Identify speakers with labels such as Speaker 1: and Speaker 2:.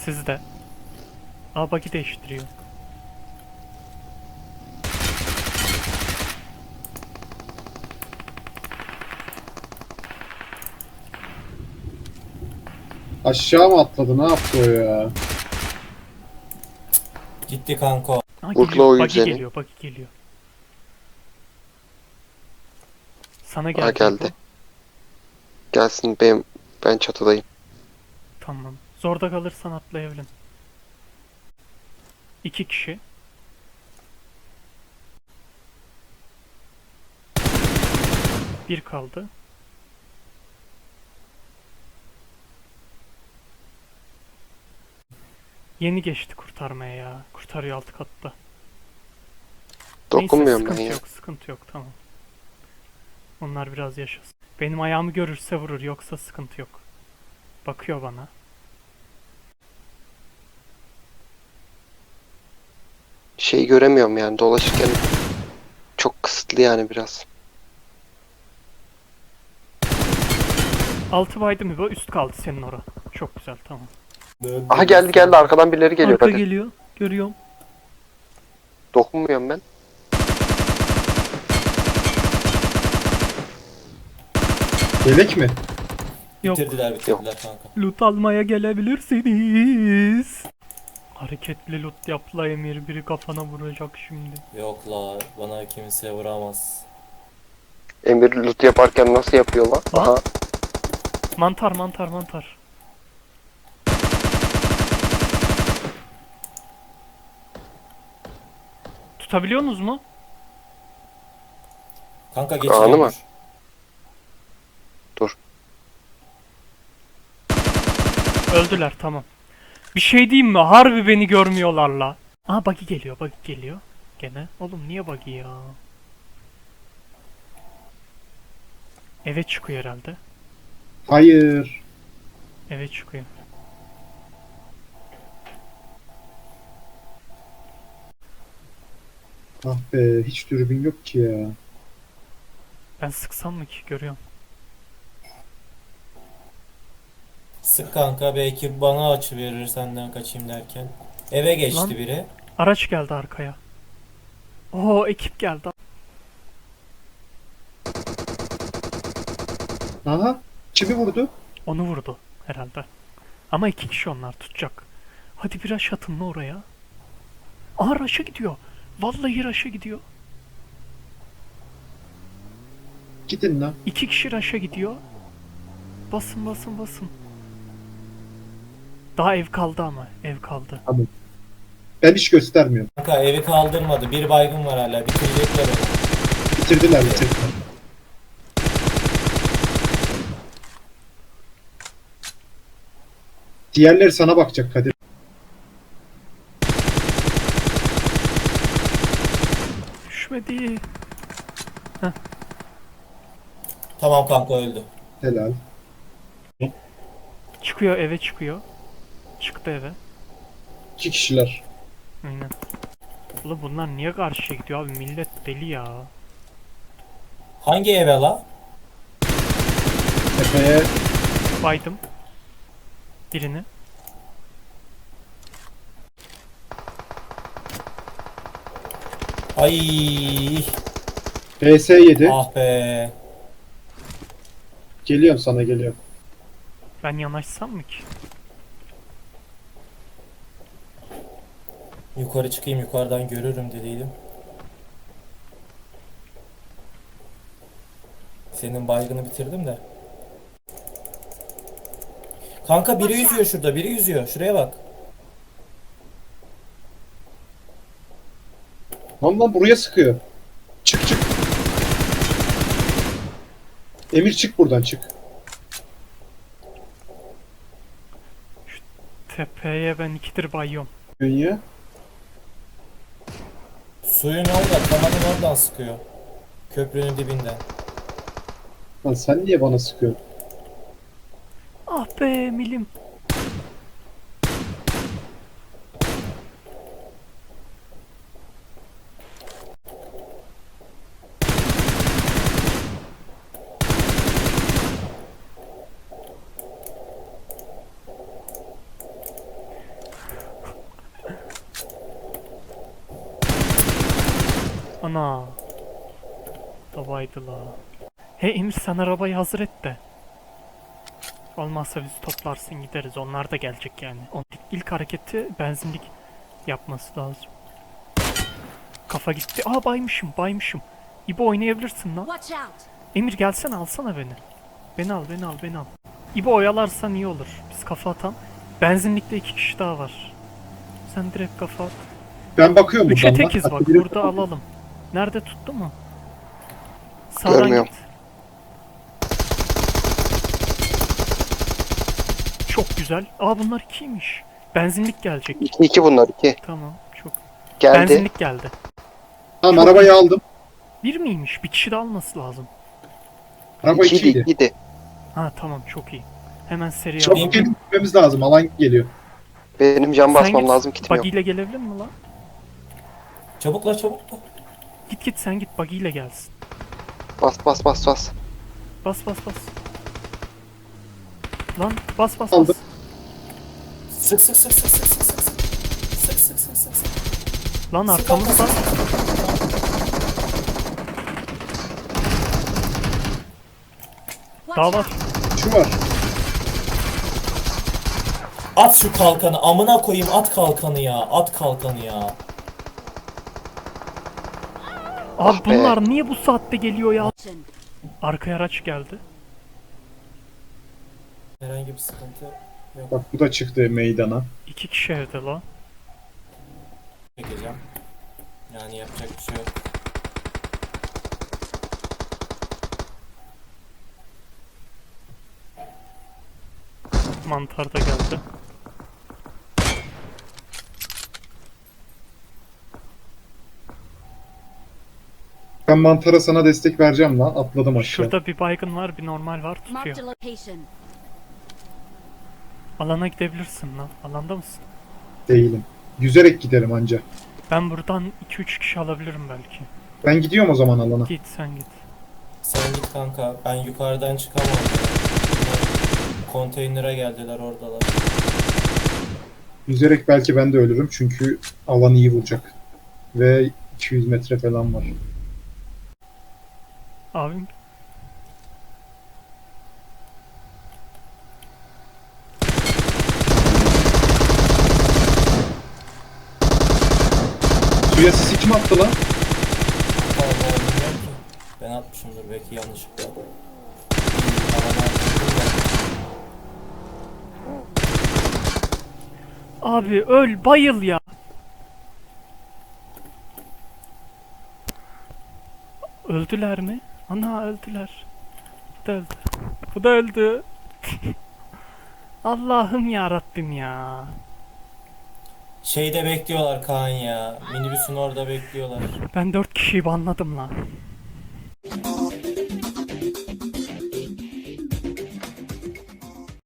Speaker 1: Sizde. Aa bug'i değiştiriyor.
Speaker 2: Aşağı mı atladı? Ne yaptı o ya?
Speaker 3: Gitti kanka.
Speaker 1: Aa
Speaker 4: Vurla
Speaker 1: geliyor.
Speaker 4: oyun
Speaker 1: Bug'i
Speaker 4: seni.
Speaker 1: geliyor. Bug'i geliyor. Sana
Speaker 4: Ha,
Speaker 1: geldi bu.
Speaker 4: geldi. Gelsin, ben çatıdayım.
Speaker 1: Tamam. Zorda kalırsan atlayabilirim. 2 kişi. Bir kaldı. Yeni geçti kurtarmaya ya. Kurtarıyor alt katta. Neyse
Speaker 4: Dokunmuyorum ben
Speaker 1: sıkıntı
Speaker 4: ya.
Speaker 1: yok, sıkıntı yok, tamam. Onlar biraz yaşasın. Benim ayağımı görürse vurur, yoksa sıkıntı yok. Bakıyor bana.
Speaker 4: Şeyi göremiyorum yani, dolaşırken çok kısıtlı yani biraz.
Speaker 1: Altı baydı mı bu? Üst kaldı senin ora. Çok güzel, tamam.
Speaker 4: Aha, geldi arkadan birileri geliyor,
Speaker 1: Arka
Speaker 4: hadi.
Speaker 1: geliyor, görüyorum.
Speaker 4: Dokunmuyorum ben.
Speaker 2: Yelek mi?
Speaker 1: Yok,
Speaker 3: Bitirdiler kanka.
Speaker 1: loot almaya gelebilirsiniz. Hareketli loot yapla Emir, biri kafana vuracak şimdi.
Speaker 3: Yok la, bana kimse vuramaz.
Speaker 4: Emir loot yaparken nasıl yapıyor lan?
Speaker 1: Lan.
Speaker 4: Aha.
Speaker 1: Mantar, mantar, mantar. Tutabiliyorsunuz mu?
Speaker 3: Kanka
Speaker 4: Anı
Speaker 3: geçiyor.
Speaker 4: mı? Dur.
Speaker 1: Öldüler, tamam. Bir şey diyeyim mi? Harbi beni görmüyorlar la. Aa buggy geliyor, buggy geliyor. Gene. Oğlum niye buggy ya? Eve çıkıyor herhalde.
Speaker 2: Hayır.
Speaker 1: Eve çıkıyor.
Speaker 2: Ah be, hiç dürbün yok ki ya.
Speaker 1: Ben sıksam mı ki? Görüyorum.
Speaker 3: Sık kanka, belki bana açı verir senden kaçayım derken. Eve geçti
Speaker 1: Lan.
Speaker 3: biri.
Speaker 1: Araç geldi arkaya. Oo ekip geldi.
Speaker 2: Aha. Kimi vurdu?
Speaker 1: Onu vurdu herhalde. Ama iki kişi onlar tutacak. Hadi bir rush atın lan oraya. Aa rush'a gidiyor. Vallahi rush'a gidiyor.
Speaker 2: Gidin lan.
Speaker 1: İki kişi rush'a gidiyor. Basın basın basın. Daha ev kaldı ama. Ev kaldı.
Speaker 2: Tamam. Ben hiç göstermiyorum.
Speaker 3: Kanka evi kaldırmadı. Bir baygın var hala. Bitirecekler onu.
Speaker 2: Bitirdiler, bitirdiler. Diğerleri sana bakacak Kadir.
Speaker 1: Düşmedi.
Speaker 3: Tamam kanka, öldü.
Speaker 2: Helal.
Speaker 1: Çıkıyor, eve çıkıyor. Çıktı eve.
Speaker 2: 2 kişiler.
Speaker 1: Aynen. Ulan bunlar niye karşıya gidiyor abi? Millet deli ya.
Speaker 3: Hangi eve la?
Speaker 2: Tepeye
Speaker 1: Baydım. Birini.
Speaker 3: Ay,
Speaker 2: PS7.
Speaker 3: ah be.
Speaker 2: Geliyorum sana, geliyorum.
Speaker 1: Ben yanaşsam mı ki?
Speaker 3: Yukarı çıkayım, yukarıdan görürüm dediydim. Senin baygını bitirdim de. Kanka biri yüzüyor şurada, biri yüzüyor. Şuraya bak.
Speaker 2: Lan buraya sıkıyor. Çık çık. Emir çık buradan, çık.
Speaker 1: Tepeye ben ikidir bayıyorum.
Speaker 2: Dünya.
Speaker 3: Suyun orada, kanalın oradan sıkıyor. Köprünün dibinden.
Speaker 2: Lan sen niye bana sıkıyorsun?
Speaker 1: Ah be milim. Ana. Davaydı la. Hey Emir sen arabayı hazır et de. Olmazsa bizi toplarsın gideriz. Onlar da gelecek yani. İlk hareketi benzinlik yapması lazım. Kafa gitti. Aa baymışım. İbo oynayabilirsin lan.
Speaker 5: Watch out!
Speaker 1: Emir gelsene alsana beni. Beni al. İbo oyalarsan iyi olur. Biz kafa atan. Benzinlikte 2 kişi daha var. Sen direkt kafa at.
Speaker 2: Ben bakıyorum
Speaker 1: Üçe
Speaker 2: buradan lan.
Speaker 1: tekiz bak.
Speaker 2: Hatta biri-
Speaker 1: Burada alalım. Nerede tuttu mu? Sağdan
Speaker 4: Görmüyorum.
Speaker 1: git. Çok güzel. Aa bunlar 2'ymiş. Benzinlik gelecek.
Speaker 4: 2 bunlar 2.
Speaker 1: Tamam. Çok.
Speaker 4: Geldi.
Speaker 1: Benzinlik geldi.
Speaker 2: Tamam arabayı aldım.
Speaker 1: Bir miymiş? Bir kişi de alması lazım.
Speaker 2: Araba
Speaker 4: 2'ydi
Speaker 2: ikiydi.
Speaker 4: 2'ydi.
Speaker 1: Ha tamam çok iyi. Hemen seri
Speaker 2: Çabuk
Speaker 1: alalım.
Speaker 2: gelin gitmemiz lazım. Alan geliyor.
Speaker 4: Benim can
Speaker 1: Sen
Speaker 4: basmam
Speaker 1: git,
Speaker 4: lazım kitim yok.
Speaker 1: Buggy ile gelebilir mi lan?
Speaker 3: Çabuk la çabuk la.
Speaker 1: Git sen git buggy ile gelsin.
Speaker 4: Bas.
Speaker 1: Bas. Lan bas.
Speaker 2: Aldım.
Speaker 3: Sık.
Speaker 1: Lan arkamızda.
Speaker 5: Watch
Speaker 1: Daha var.
Speaker 5: out!
Speaker 2: Şu var.
Speaker 3: At şu kalkanı. Amına koyayım at kalkanı ya. At kalkanı ya.
Speaker 1: Abi
Speaker 4: Ah be.
Speaker 1: bunlar niye bu saatte geliyor ya?
Speaker 5: Attention.
Speaker 1: Arkaya araç geldi.
Speaker 3: Herhangi bir sıkıntı yok.
Speaker 2: Bak bu da çıktı meydana.
Speaker 1: 2 kişi evde la.
Speaker 3: Çekeceğim. Yani yapacak bir şey yok.
Speaker 1: Mantar da geldi.
Speaker 2: Ben mantara sana destek vereceğim lan. Atladım aşağı.
Speaker 1: Şurada bir baygın var, bir normal var
Speaker 5: Marked
Speaker 1: tutuyor.
Speaker 5: a location.
Speaker 1: Alana gidebilirsin lan. Alanda mısın?
Speaker 2: Değilim. Yüzerek giderim anca.
Speaker 1: Ben buradan 2-3 kişi alabilirim belki.
Speaker 2: Ben gidiyorum o zaman alana.
Speaker 1: Git sen git.
Speaker 3: Sen git kanka. Ben yukarıdan çıkamam. Bunlar konteynere geldiler oradalar.
Speaker 2: Yüzerek belki ben de ölürüm çünkü alan iyi vuracak. Ve 200 metre falan var.
Speaker 1: Abim
Speaker 2: Suya sisi kim attı lan?
Speaker 3: Vallahi bilmiyorum ki. Ben atmışımdır belki yanlışlıkla. Alana
Speaker 1: abi öl bayıl ya. Öldüler mi? Ana öldüler. Bu da öldü. Bu da öldü. Allah'ım ya Rabbim ya.
Speaker 3: Şeyde bekliyorlar Kaan ya. Minibüsün orada bekliyorlar.
Speaker 1: Ben 4 kişiyi banladım lan.